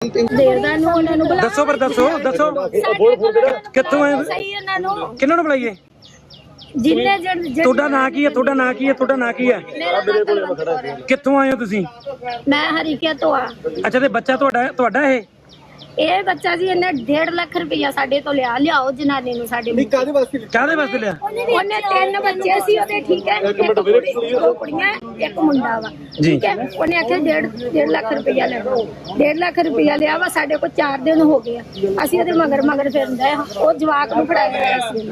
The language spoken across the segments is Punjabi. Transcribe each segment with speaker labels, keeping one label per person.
Speaker 1: ਦੱਸੋ ਪਰ ਦੱਸੋ ਕਿੱਥੋਂ ਆਏ? ਕਿਹਨਾਂ ਨੂੰ ਬੁਲਾਈਏ? ਤੁਹਾਡਾ ਨਾਂ ਕੀ ਹੈ? ਤੁਹਾਡਾ ਨਾਂ ਕੀ ਹੈ? ਤੁਹਾਡਾ ਨਾਂ ਕੀ ਹੈ? ਕਿੱਥੋਂ ਆਏ ਹੋ ਤੁਸੀਂ?
Speaker 2: ਮੈਂ ਹਰੀਕਿਆ ਤੋਂ ਆ।
Speaker 1: ਅੱਛਾ, ਤੇ ਬੱਚਾ ਤੁਹਾਡਾ
Speaker 2: ਇਹ ਬੱਚਾ ਜੀ ਇਹਨੇ 1.5 ਲੱਖ ਰੁਪਇਆ ਸਾਡੇ ਤੋਂ ਲਿਆਓ ਜਨਾਨੀ ਨੂੰ ਸਾਡੇ ਨੂੰ।
Speaker 1: ਕਾਹਦੇ ਵਾਸਤੇ ਲਿਆ?
Speaker 2: ਉਹਨੇ 3 ਬੱਚੇ ਸੀ ਉਹਦੇ, ਠੀਕ ਹੈ, ਦੋ ਕੁੜੀਆਂ ਇੱਕ ਮੁੰਡਾ ਵਾ, ਠੀਕ ਹੈ। ਉਹਨੇ ਆਖਿਆ 1.5 ਲੱਖ ਰੁਪਇਆ ਲੈ ਲਓ। 1.5 ਲੱਖ ਰੁਪਇਆ ਲਿਆ ਵਾ। ਸਾਡੇ ਕੋਲ 4 ਦਿਨ ਹੋ ਗਏ ਅਸੀਂ ਉਹਦੇ ਮਗਰ ਫਿਰਦੇ ਆ। ਉਹ ਜਵਾਕ ਨੂੰ ਫੜਾਇਆ ਹੋਇਆ ਸੀ।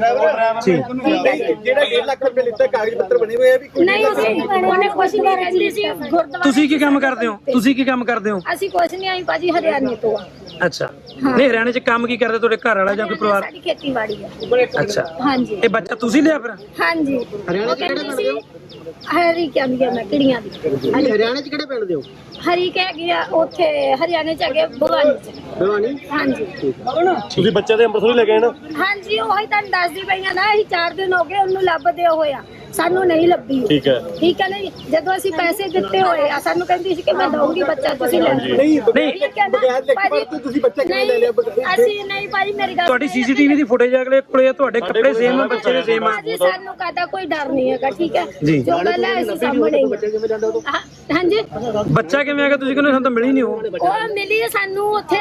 Speaker 3: ਜਿਹੜਾ 1.5 ਲੱਖ ਰੁਪਏ ਲਿੱਤਾ ਕਾਗਜ਼ ਪੱਤਰ ਬਣੇ ਹੋਏ ਆ ਵੀ
Speaker 2: ਨਹੀਂ, ਉਹਨੇ ਕੁਛ ਨਹੀਂ ਰਹਿੰਦੀ ਸੀ ਗੁਰਦੁਆਰਾ।
Speaker 1: ਤੁਸੀਂ ਕੀ ਕੰਮ ਕਰਦੇ ਹੋ?
Speaker 2: ਅਸੀਂ ਕੁਛ ਨਹੀਂ ਆਈ ਭਾਜੀ, ਹਰਿਆਣੇ ਤੋਂ ਆ।
Speaker 1: ਅੱਛਾ, ਨਹੀਂ ਹਰਿਆਣੇ ਚ ਕੰਮ ਕੀ ਕਰਦੇ ਤੁਹਾਡੇ ਘਰ ਵਾਲਾ ਜਾਂ ਕੋਈ ਪਰਿਵਾਰ?
Speaker 2: ਸਾਡੀ ਖੇਤੀਬਾੜੀ ਆ।
Speaker 1: ਅੱਛਾ,
Speaker 2: ਹਾਂਜੀ।
Speaker 1: ਇਹ ਬੱਚਾ ਤੁਸੀਂ ਲਿਆ ਫਿਰ?
Speaker 2: ਹਾਂਜੀ।
Speaker 3: ਹਰਿਆਣੇ ਚ ਕਿਹੜੇ
Speaker 2: ਸੀ ਹਰੀ ਕਹਿੰਦੀ ਮੈਂ ਕਿਹੜੀਆਂ ਦੀ।
Speaker 3: ਹਰਿਆਣੇ ਚ ਕਿਹੜੇ ਪਿੰਡ ਦੇ ਹੋ?
Speaker 2: ਹਰੀ ਕਹਿ ਗਿਆ ਉੱਥੇ ਹਰਿਆਣੇ ਚ ਹੈਗੇ ਭਵਾਨੀ ਚ।
Speaker 3: ਭਵਾਨੀ?
Speaker 2: ਹਾਂਜੀ।
Speaker 1: ਤੁਸੀਂ ਬੱਚੇ ਦੇ ਅੰਮ੍ਰਿਤਸਰ ਲੈ ਗਏ ਨਾ?
Speaker 2: ਹਾਂਜੀ, ਉਹੀ ਤੁਹਾਨੂੰ ਦੱਸਦੀ ਪਈਆਂ ਨਾ। ਅਸੀਂ 4 ਦਿਨ ਹੋ ਗਏ ਉਹਨੂੰ ਲੱਭਦੇ ਹੋਇਆ, ਸਾਨੂੰ ਨਹੀਂ ਲੱਭੀ। ਠੀਕ ਹੈ ਨਹੀਂ। ਜਦੋਂ ਅਸੀਂ ਪੈਸੇ ਦਿੱਤੇ ਹੋਏ ਆ, ਸਾਨੂੰ ਕਹਿੰਦੀ ਸੀ ਕਿ ਮੈਂ ਦਊਂਗੀ ਬੱਚਾ, ਤੁਸੀਂ ਲੈ ਲਓ।
Speaker 3: ਨਹੀਂ, ਬਗੈਰ ਲਿਖਤ ਤੁਸੀਂ ਬੱਚਾ ਕਿਵੇਂ ਲੈ ਲਿਆ?
Speaker 2: ਅਸੀਂ ਨਹੀਂ ਭਾਜੀ, ਮੇਰੀ ਗੱਲ।
Speaker 1: ਤੁਹਾਡੀ ਸੀਸੀਟੀਵੀ ਦੀ ਫੁਟੇਜ ਅਗਲੇ ਕੋਲੇ, ਤੁਹਾਡੇ ਕੱਪੜੇ ਸੇਮ ਆ, ਬੱਚੇ ਦੇ ਸੇਮ ਆ।
Speaker 2: ਭਾਜੀ ਸਾਨੂੰ ਕਾਹਦਾ ਕੋਈ ਡਰ ਨਹੀਂ ਹੈਗਾ, ਠੀਕ ਹੈ। ਜੋ ਗੱਲ ਹੈ ਅਸੀਂ ਸਾਹਮਣੇ ਹਾਂਜੀ।
Speaker 1: ਬੱਚਾ ਕਿਵੇਂ ਆ ਗਿਆ? ਤੁਸੀਂ ਕਹਿੰਦੇ ਸਾਨੂੰ ਤਾਂ ਮਿਲੀ ਨਹੀਂ।
Speaker 2: ਉਹ ਮਿਲੀ ਸਾਨੂੰ ਉੱਥੇ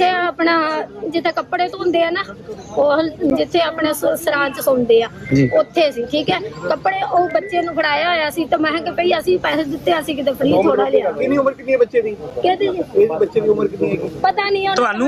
Speaker 2: ਜਿੱਥੇ ਕੱਪੜੇ ਧੋਂਦੇ ਆ ਨਾ, ਉਹ ਜਿੱਥੇ ਆਪਣੇ ਸਰਾਂ ਚ ਸੌਂਦੇ ਆ, ਉੱਥੇ ਸੀ, ਠੀਕ ਹੈ। ਕੱਪੜੇ ਉਹ ਬੱਚੇ ਨੂੰ ਫੜਾਇਆ ਹੋਇਆ ਸੀ, ਤਾਂ ਮੈਂ ਕਿਹਾ ਭਈ ਅਸੀਂ ਪੈਸੇ ਦਿੱਤੇ, ਅਸੀਂ ਕਿਤੇ ਫ੍ਰੀ ਥੋੜਾ ਲਿਆ।
Speaker 3: ਕਿੰਨੀ ਉਮਰ ਕਿੰਨੀ ਹੈ ਬੱਚੇ ਦੀ?
Speaker 2: ਕਿਹਦੀ ਜੀ?
Speaker 3: ਇਸ ਬੱਚੇ ਦੀ ਉਮਰ ਕਿੰਨੀ ਹੈ?
Speaker 2: ਪਤਾ ਨਹੀਂ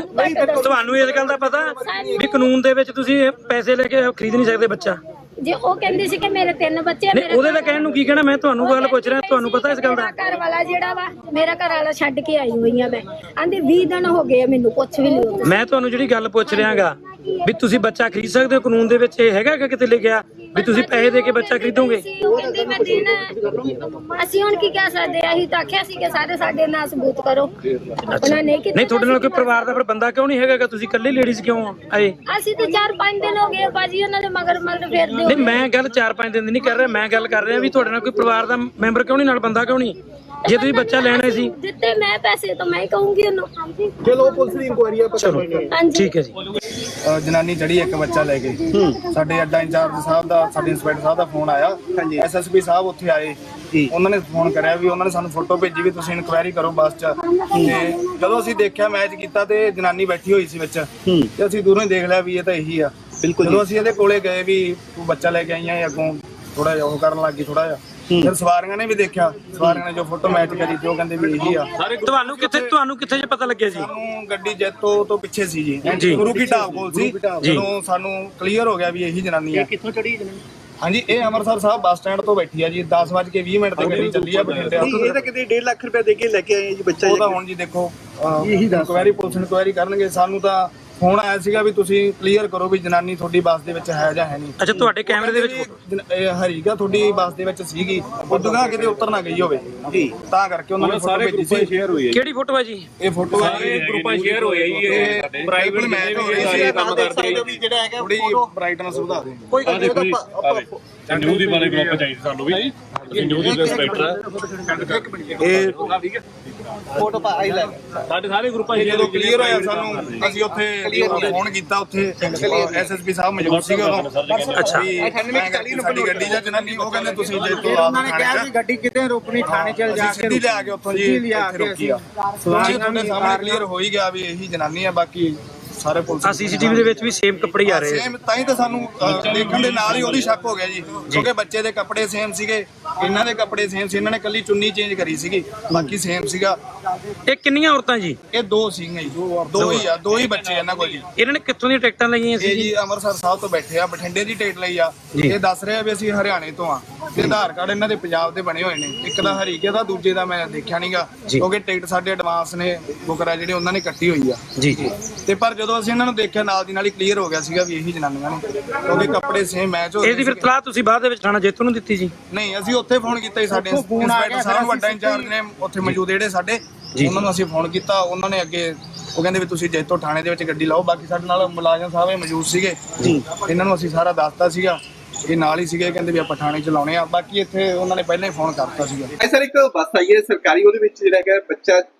Speaker 1: ਤੁਹਾਨੂੰ ਇਸ ਗੱਲ ਦਾ ਪਤਾ ਵੀ ਕਾਨੂੰਨ ਦੇ ਵਿੱਚ ਤੁਸੀਂ ਪੈਸੇ ਲੈ ਕੇ ਖਰੀਦ ਨਹੀਂ ਸਕਦੇ ਬੱਚਾ?
Speaker 2: ਜੇ ਉਹ ਕਹਿੰਦੀ ਸੀ ਕਿ ਮੇਰੇ 3 ਬੱਚੇ ਆ।
Speaker 1: ਉਹਦੇ ਦਾ ਕਹਿਣ ਨੂੰ ਕੀ ਕਹਿਣਾ? ਮੈਂ ਤੁਹਾਨੂੰ ਗੱਲ ਪੁੱਛ ਰਿਹਾ, ਤੁਹਾਨੂੰ ਪਤਾ ਇਸ ਗੱਲ ਦਾ?
Speaker 2: ਘਰ ਵਾਲਾ ਜਿਹੜਾ ਵਾ, ਮੇਰਾ ਘਰ ਵਾਲਾ ਛੱਡ ਕੇ ਆਈ ਹੋਈ ਆ ਮੈਂ। ਆਂਦੇ 20 ਦਿਨ ਹੋ ਗਏ ਮੈਨੂੰ, ਪੁੱਛ ਵੀ ਲਿਓ।
Speaker 1: ਮੈਂ ਤੁਹਾਨੂੰ ਜਿਹੜੀ ਗੱਲ ਪੁੱਛ ਰਿਹਾਗਾ ਵੀ ਤੁਸੀਂ ਬੱਚਾ ਖਰੀਦ ਸਕਦੇ ਹੋ, ਕਾਨੂੰਨ ਦੇ ਵਿੱਚ ਇਹ ਹੈਗਾ ਕਿ ਕਿਤੇ ਲਿਖਿਆ ਵੀ ਤੁਸੀਂ ਪੈਸੇ ਦੇ ਕੇ ਬੱਚਾ ਖਰੀਦੋਗੇ?
Speaker 2: ਉਹ ਕਹਿੰਦੀ ਮੈਂ ਦੇਣਾ। ਅਸੀਂ ਹੁਣ ਕੀ ਕਹਿ ਸਕਦੇ ਆ? ਅਸੀਂ ਤਾਂ ਆਖਿਆ ਸੀ ਕਿ ਸਾਡੇ ਨਾਲ ਸਬੂਤ ਕਰੋ। ਉਹਨਾਂ ਨੇ ਕੀਤਾ।
Speaker 1: ਨਹੀਂ, ਤੁਹਾਡੇ ਨਾਲ ਕੋਈ ਪਰਿਵਾਰ ਦਾ ਫਿਰ ਬੰਦਾ ਕਿਉਂ ਨਹੀਂ ਹੈਗਾ? ਤੁਸੀਂ ਇਕੱਲੇ ਲੇਡੀਜ਼ ਕਿਉਂ ਆਏ?
Speaker 2: ਅਸੀਂ ਤਾਂ 4-5 ਦਿਨ ਹੋ ਗਏ ਭਾਜੀ ਉਹਨਾਂ ਦੇ ਮਗਰ ਫਿਰਦੇ।
Speaker 1: ਨਹੀਂ, ਮੈਂ ਗੱਲ 4-5 ਦਿਨ ਦੀ ਨਹੀਂ ਕਰ ਰਿਹਾ, ਮੈਂ ਗੱਲ ਕਰ ਰਿਹਾ ਵੀ ਤੁਹਾਡੇ ਨਾਲ ਕੋਈ ਪਰਿਵਾਰ ਦਾ ਮੈਂਬਰ ਕਿਉਂ ਨਹੀਂ, ਨਾਲ ਬੰਦਾ ਕਿਉਂ ਨਹੀਂ? ਜੇ ਤੁਸੀਂ ਬੱਚਾ ਲੈਣਾ ਸੀ
Speaker 2: ਦਿੱਤੇ ਮੈਂ ਪੈਸੇ, ਤਾਂ ਮੈਂ ਹੀ ਕਹੂੰਗੀ ਉਹਨੂੰ।
Speaker 3: ਚਲੋ ਪੁਲਿਸ ਦੀ ਇਨਕੁਆਇਰੀ ਆ, ਪਤਾ ਲੱਗੇਗਾ।
Speaker 1: ਠੀਕ ਹੈ ਜੀ।
Speaker 4: ਜਨਾਨੀ ਚੜੀ ਇੱਕ ਬੱਚਾ ਲੈ ਕੇ, ਸਾਡੇ ਅੱਡਾ ਇੰਚਾਰਜ ਸਾਹਿਬ ਦਾ, ਸਾਡੇ ਇੰਸਪੈਕਟਰ ਸਾਹਿਬ ਦਾ ਫੋਨ ਆਇਆ। ਐਸਐਸਪੀ ਸਾਹਿਬ ਉੱਥੇ ਆਏ, ਉਹਨਾਂ ਨੇ ਫੋਨ ਕਰਿਆ ਵੀ ਉਹਨਾਂ ਨੇ ਸਾਨੂੰ ਫੋਟੋ ਭੇਜੀ ਵੀ ਤੁਸੀਂ ਇਨਕੁਆਇਰੀ ਕਰੋ ਬੱਸ 'ਚ। ਤੇ ਜਦੋਂ ਅਸੀਂ ਦੇਖਿਆ, ਮੈਚ ਕੀਤਾ ਤੇ ਜਨਾਨੀ ਬੈਠੀ ਹੋਈ ਸੀ ਵਿੱਚ, ਤੇ ਅਸੀਂ ਦੂਰੋਂ ਹੀ ਦੇਖ ਲਿਆ ਵੀ ਇਹ ਤਾਂ ਇਹੀ ਆ। ਬਿਲਕੁਲ। ਜਦੋਂ ਅਸੀਂ ਇਹਦੇ ਕੋਲੇ ਗਏ ਵੀ ਤੂੰ ਬੱਚਾ ਲੈ ਕੇ ਆਈਆਂ, ਅੱਗੋਂ ਥੋੜਾ ਜਿਹਾ ਉਹ ਕਰਨ ਲੱਗ ਗਈ ਥੋੜਾ ਜਿਹਾ। ਫਿਰ ਸਵਾਰੀਆਂ ਨੇ ਵੀ ਦੇਖਿਆ, ਸਵਾਰੀਆਂ ਨੇ ਜੋ ਫੋਟੋ ਮੈਚ ਕਰੀ ਤੇ ਉਹ ਕਹਿੰਦੇ ਵੀ ਇਹੀ ਆ।
Speaker 1: ਤੁਹਾਨੂੰ ਕਿੱਥੇ ਜੇ ਪਤਾ ਲੱਗਿਆ ਜੀ?
Speaker 4: ਸਾਨੂੰ ਗੱਡੀ ਜੈਤੋ ਤੋਂ ਪਿੱਛੇ ਸੀ ਜੀ, ਗੁਰੂ ਕੀ ਢਾਬ ਕੋਲ ਸੀ। ਜਦੋਂ ਸਾਨੂੰ ਕਲੀਅਰ ਹੋ ਗਿਆ ਵੀ ਇਹੀ ਜਨਾਨੀ ਆ।
Speaker 3: ਕਿੱਥੋਂ ਚੜੀ ਜਨਾਨੀ?
Speaker 4: ਹਾਂਜੀ, ਇਹ ਅੰਮ੍ਰਿਤਸਰ ਸਾਹਿਬ ਬੱਸ ਸਟੈਂਡ ਤੋਂ ਬੈਠੀ ਆ ਜੀ। 10:20 ਤੇ ਗੱਡੀ ਚੱਲੀ ਆ ਬਠਿੰਡੇ।
Speaker 3: ਇਹ ਤਾਂ ਕਿਤੇ 1.5 ਲੱਖ ਰੁਪਏ ਦੇ ਕੇ ਲੈ ਕੇ ਆਏ ਜੀ ਬੱਚਾ।
Speaker 4: ਉਹਦਾ ਹੁਣ ਜੀ ਦੇਖੋ, ਇਨਕੁਆਇਰੀ ਪੁਲਿਸ ਇਨਕੁਆਇਰੀ ਕਰਨਗੇ। ਸਾਨੂੰ ਤਾਂ ਫੋਨ ਆਇਆ ਸੀਗਾ ਵੀ ਤੁਸੀਂ ਕਲੀਅਰ ਕਰੋ ਵੀ ਜਨਾਨੀ ਤੁਹਾਡੀ ਬੱਸ ਦੇ ਵਿੱਚ ਹੈ ਜਾਂ ਹੈ ਨਹੀਂ।
Speaker 1: ਅੱਛਾ, ਤੁਹਾਡੇ ਕੈਮਰੇ ਦੇ ਵਿੱਚ
Speaker 4: ਹਰੀਗਾ ਤੁਹਾਡੀ ਬੱਸ ਦੇ ਵਿੱਚ ਸੀਗੀ, ਉਦੋਂ ਕਿਤੇ ਉਤਰ ਨਾ ਗਈ ਹੋਵੇ ਜੀ, ਤਾਂ ਕਰਕੇ ਉਹਨਾਂ ਨੇ ਫੋਟੋ ਭੇਜੀ ਸੀ।
Speaker 3: ਸ਼ੇਅਰ ਹੋਈ ਹੈ।
Speaker 1: ਕਿਹੜੀ ਫੋਟੋ ਹੈ ਜੀ?
Speaker 4: ਇਹ ਫੋਟੋ
Speaker 3: ਸਾਰੇ ਗਰੁੱਪਾਂ ਸ਼ੇਅਰ ਹੋਈ ਹੈ ਜੀ। ਇਹ
Speaker 4: ਪ੍ਰਾਈਵੇਟ ਮੈਚ ਹੋ ਰਿਹਾ ਸੀ, ਕੰਮ ਕਰਦੇ ਵੀ ਜਿਹੜਾ ਹੈਗਾ ਥੋੜੀ ਬ੍ਰਾਈਟਨੈਸ ਵਧਾ ਦੇ।
Speaker 3: ਕੋਈ ਗੱਲ ਨਹੀਂ,
Speaker 5: ਨਿਊ ਦੀ ਬਾਰੇ ਗਰੁੱਪ ਚਾਹੀਦੀ ਸਾਨੂੰ ਵੀ। ਅਸੀਂ ਨਿਊ ਦੀ ਇੰਸਪੈਕਟਰ ਆ। ਇਹ
Speaker 3: ਫੋਟੋ ਪਾ ਆਈ ਲੈ
Speaker 5: ਸਾਡੇ ਸਾਰੇ ਗਰੁੱਪਾਂ
Speaker 4: ਜਦੋਂ ਕਲੀਅਰ ਹੋਇਆ ਸਾਨੂੰ, ਅਸੀਂ ਉੱਥੇ ਫੋਨ ਕੀਤਾ, ਉੱਥੇ ਐਸਐਸਪੀ ਸਾਹਿਬ ਮੌਜੂਦ ਸੀਗੇ ਉਦੋਂ।
Speaker 1: ਅੱਛਾ,
Speaker 4: ਸਾਡੀ ਗੱਡੀ ਜਾਂ ਜਨਾਨੀ, ਉਹ ਕਹਿੰਦੇ ਤੁਸੀਂ ਜੇ ਤੋਂ
Speaker 3: ਉਹਨਾਂ ਨੇ ਕਿਹਾ ਕਿ ਗੱਡੀ ਕਿਤੇ ਰੋਕਣੀ, ਥਾਣੇ ਚਲ ਜਾ ਕੇ
Speaker 4: ਸਿੱਧੀ ਲਿਆ ਕੇ ਉੱਥੋਂ ਜੀ ਇੱਥੇ ਰੋਕੀ ਆ। ਤੁਹਾਡੇ ਸਾਹਮਣੇ ਕਲੀਅਰ ਹੋ ਹੀ ਗਿਆ ਵੀ ਇਹੀ ਜਨਾਨੀ ਆ। ਬਾਕੀ ਸਾਰੇ ਪੁਲਿਸ
Speaker 1: ਸੀਸੀਟੀਵੀ ਦੇ ਵਿੱਚ ਵੀ ਸੇਮ ਕੱਪੜੇ ਆ ਰਹੇ ਆ।
Speaker 4: ਸੇਮ, ਤਾਂ ਹੀ ਤਾਂ ਸਾਨੂੰ ਦੇਖਣ ਦੇ ਨਾਲ ਹੀ ਉਹਦੀ ਸ਼ੱਕ ਹੋ ਗਿਆ ਜੀ, ਕਿਉਂਕਿ ਬੱਚੇ ਦੇ ਕੱਪੜੇ ਸੇਮ ਸੀਗੇ, ਇਹਨਾਂ ਦੇ ਕੱਪੜੇ ਸੇਮ ਸੀ। ਇਹਨਾਂ ਨੇ ਕੱਲੀ ਚੁੰਨੀ ਚੇਂਜ ਕਰੀ ਸੀਗੀ, ਬਾਕੀ ਸੇਮ ਸੀਗਾ।
Speaker 1: ਇਹ ਕਿੰਨੀਆਂ ਔਰਤਾਂ ਜੀ?
Speaker 4: ਇਹ 2 ਸੀਗੀਆਂ ਜੀ, ਦੋ ਹੀ ਬੱਚੇ ਇਹਨਾਂ ਕੋਲ ਜੀ।
Speaker 1: ਇਹਨਾਂ ਨੇ ਕਿੱਥੋਂ ਦੀਆਂ ਟਿਕਟਾਂ ਲਈਆਂ ਸੀ
Speaker 4: ਇਹ ਜੀ ਅੰਮ੍ਰਿਤਸਰ ਸਾਹਿਬ ਤੋਂ ਬੈਠੇ ਆ, ਬਠਿੰਡੇ ਦੀ ਟਿਕਟ ਲਈ ਆ। ਇਹ ਦੱਸ ਰਿਹਾ ਵੀ ਅਸੀਂ ਹਰਿਆਣੇ ਤੋਂ ਆ, ਤੇ ਆਧਾਰ ਕਾਰਡ ਇਹਨਾਂ ਦੇ ਪੰਜਾਬ ਦੇ ਬਣੇ ਹੋਏ ਨੇ। ਇੱਕ ਦਾ ਹਰੀਕੇ ਦਾ, ਦੂਜੇ ਦਾ ਮੈਂ ਦੇਖਿਆ ਨਹੀਂਗਾ, ਕਿਉਂਕਿ ਟਿਕਟ ਸਾਡੇ ਐਡਵਾਂਸ ਨੇ ਬੁਕਰਾ ਜਿਹੜੇ ਉਹਨਾਂ ਨੇ ਕੱਟੀ ਹੋਈ ਆ
Speaker 1: ਜੀ।
Speaker 4: ਤੇ ਪਰ ਜਦੋਂ ਅਸੀਂ ਇਹਨਾਂ ਨੂੰ ਦੇਖਿਆ, ਨਾਲ ਦੀ ਨਾਲ ਹੀ ਕਲੀਅਰ ਹੋ ਗਿਆ ਸੀਗਾ ਵੀ ਇਹੀ ਜਨਾਨੀਆਂ ਨੇ, ਕਿਉਂਕਿ ਕੱਪੜੇ ਸੇਮ ਮੈਚ ਹੋ ਰਹੇ।
Speaker 1: ਇਹਦੀ ਫਿਰ ਤਲਾਹ ਤੁਸੀਂ ਬਾਅਦ ਦੇ ਵਿੱਚ ਥਾਣਾ ਜੈਤੋ ਨੂੰ ਦਿੱਤੀ ਜੀ?
Speaker 4: ਨਹੀਂ, ਅਸੀਂ ਉੱਥੇ ਫੋਨ ਕੀਤਾ ਜੀ, ਸਾਡੇ ਇੰਸਪੈਕਟਰ ਸਾਹਿਬ ਵੱਡਾ ਇੰਚਾਰਜ ਨੇ ਉੱਥੇ ਮੌਜੂਦ ਜਿਹੜੇ ਸਾਡੇ, ਉਹਨਾਂ ਨੂੰ ਅਸੀਂ ਫੋਨ ਕੀਤਾ। ਉਹਨਾਂ ਨੇ ਅੱਗੇ ਉਹ ਕਹਿੰਦੇ ਵੀ ਤੁਸੀਂ ਜੈਤੋ ਥਾਣੇ ਦੇ ਵਿੱਚ ਗੱਡੀ ਲਾਓ। ਬਾਕੀ ਸਾਡੇ ਨਾਲ ਮੁਲਾਜ਼ਮ ਸਾਹਿਬ ਇਹ ਮੌਜੂਦ ਸੀਗੇ, ਇਹਨਾਂ ਨੂੰ ਅਸੀਂ ਸਾਰਾ ਦੱਸਤਾ ਸੀਗਾ, ਇਹ ਨਾਲ ਹੀ ਸੀਗੇ, ਕਹਿੰਦੇ ਵੀ ਆਪਾਂ ਥਾਣੇ ਚ ਲਾਉਣੇ ਆ। ਬਾਕੀ ਇੱਥੇ ਉਹਨਾਂ ਨੇ ਪਹਿਲਾਂ ਹੀ ਫੋਨ ਕਰਤਾ ਸੀਗਾ।
Speaker 6: ਸਰ, ਇੱਕ ਬੱਸ ਆਈ ਹੈ ਸਰਕਾਰੀ, ਉਹਦੇ ਵਿੱਚ ਜਿਹੜਾ ਹੈਗਾ ਬੱਚਾ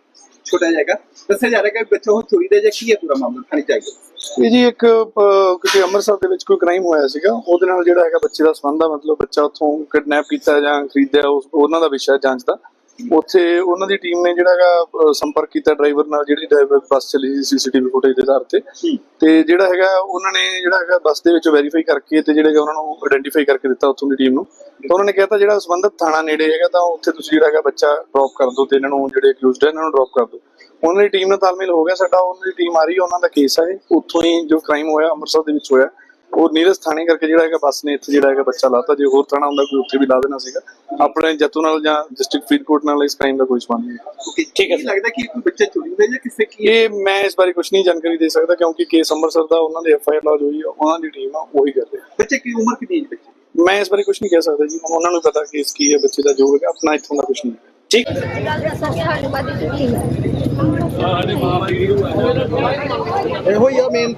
Speaker 3: ਛੋਟਾ ਜਾਏਗਾ ਦੱਸਿਆ ਜਾ ਰਿਹਾ ਕਿ ਬੱਚਾ ਉਹ ਚੋਰੀ ਦਾ ਜਾਂ ਕੀ ਹੈ ਪੂਰਾ ਮਾਮਲਾ ਖਾਣੀ ਚਾਹੀਏ।
Speaker 6: ਇਹ ਜੀ ਇੱਕ ਕਿਤੇ ਅੰਮ੍ਰਿਤਸਰ ਦੇ ਵਿੱਚ ਕੋਈ ਕ੍ਰਾਈਮ ਹੋਇਆ ਸੀਗਾ, ਉਹਦੇ ਨਾਲ ਜਿਹੜਾ ਹੈਗਾ ਬੱਚੇ ਦਾ ਸੰਬੰਧ ਆ, ਮਤਲਬ ਬੱਚਾ ਉੱਥੋਂ ਕਿਡਨੈਪ ਕੀਤਾ ਜਾਂ ਖਰੀਦਿਆ, ਉਹਨਾਂ ਦਾ ਵਿਸ਼ਾ ਜਾਂਚ ਦਾ। ਉੱਥੇ ਉਹਨਾਂ ਦੀ ਟੀਮ ਨੇ ਜਿਹੜਾ ਹੈਗਾ ਸੰਪਰਕ ਕੀਤਾ ਡਰਾਈਵਰ ਨਾਲ, ਜਿਹੜੀ ਡਰਾਈਵਰ ਬੱਸ ਚੱਲੀ ਸੀ ਸੀਸੀਟੀਵੀ ਫੁਟੇਜ ਦੇ ਆਧਾਰ ਤੇ ਜਿਹੜਾ ਹੈਗਾ ਉਹਨਾਂ ਨੇ ਜਿਹੜਾ ਹੈਗਾ ਬੱਸ ਦੇ ਵਿੱਚ ਵੈਰੀਫਾਈ ਕਰਕੇ ਤੇ ਜਿਹੜਾ ਉਹਨਾਂ ਨੂੰ ਆਇਡੈਂਟੀਫਾਈ ਕਰਕੇ ਦਿੱਤਾ ਉੱਥੋਂ ਦੀ ਟੀਮ ਨੂੰ। ਤਾਂ ਉਹਨਾਂ ਨੇ ਕਿਹਾ ਤਾਂ ਜਿਹੜਾ ਸੰਬੰਧਿਤ ਥਾਣਾ ਨੇੜੇ ਹੈਗਾ ਤਾਂ ਉੱਥੇ ਤੁਸੀਂ ਜਿਹੜਾ ਹੈਗਾ ਬੱਚਾ ਡ੍ਰੌਪ ਕਰ ਦਿਓ ਤੇ ਇਹਨਾਂ ਨੂੰ ਜਿਹੜੇ ਅਕਿਊਜ਼ਡ ਹੈ ਇਹਨਾਂ ਨੂੰ ਡ੍ਰੌਪ ਕਰ ਦਿਓ। ਉਹਨਾਂ ਦੀ ਟੀਮ ਨਾਲ ਤਾਲਮੇਲ ਹੋ ਗਿਆ ਸਾਡਾ, ਉਹਨਾਂ ਦੀ ਟੀਮ ਆ ਰਹੀ ਹੈ, ਉਹਨਾਂ ਦਾ ਕੇਸ ਹੈ ਉੱਥੋਂ ਹੀ ਜੋ ਕ੍ਰਾਈਮ ਹੋਇਆ ਅੰਮ੍ਰਿਤਸਰ ਦੇ ਵਿੱਚ ਹੋਇਆ ਉਹ ਨੀਰਜ ਥਾਣੇ ਕਰਕੇ ਜਿਹੜਾ ਹੈਗਾ ਬੱਸ ਨੇ ਇੱਥੇ ਜਿਹੜਾ ਹੈਗਾ ਬੱਚਾ ਲਾਤਾ। ਜੇ ਹੋਰ ਥਾਣਾ ਹੁੰਦਾ ਕੋਈ ਉੱਥੇ ਵੀ ਲਾ ਦੇਣਾ ਸੀਗਾ। ਆਪਣੇ ਜੱਤੂ ਨਾਲ ਜਾਂ ਡਿਸਟ੍ਰਿਕਟ ਫਰੀਦਕੋਟ ਨਾਲ ਇਸ ਕ੍ਰਾਈਮ ਦਾ ਕੋਈ ਸੰਬੰਧ ਨਹੀਂ।
Speaker 3: ਠੀਕ ਹੈ, ਲੱਗਦਾ ਕਿ ਕੋਈ ਬੱਚਾ ਚੋਰੀ ਹੋਇਆ ਜਾਂ ਕਿਸੇ ਕੀ
Speaker 6: ਇਹ ਮੈਂ ਇਸ ਬਾਰੇ ਕੁਝ ਨਹੀਂ ਜਾਣਕਾਰੀ ਦੇ ਸਕਦਾ ਕਿਉਂਕਿ ਕੇਸ ਅੰਮ੍ਰਿਤਸਰ ਦਾ ਉਹਨਾਂ ਦੇ FIR ਲੌਜ ਹੋਈ ਆ, ਉਹਨਾਂ ਦੀ ਟੀਮ ਆ ਉਹੀ ਕਰ ਰਹੀ ਹੈ।
Speaker 3: ਬੱਚੇ ਕੀ ਉਮਰ ਕਿੰਨੀ ਹੈ ਬੱਚੇ?
Speaker 6: ਮੈਂ ਇਸ ਬਾਰੇ ਕੁਝ ਨਹੀਂ ਕਹਿ ਸਕਦਾ ਜੀ, ਉਹਨਾਂ ਨੂੰ ਪਤਾ ਕੇਸ ਕੀ ਹੈ ਬੱਚੇ ਦਾ, ਜੋ ਹੈਗਾ ਆਪਣਾ ਇੱਥੋਂ ਦਾ ਕੁਝ ਨਹੀਂ।
Speaker 1: ਠੀਕ
Speaker 2: ਸਾਡੇ ਬਾਦੀ
Speaker 3: ਇਹੋ ਹੀ ਆ ਮੇਨ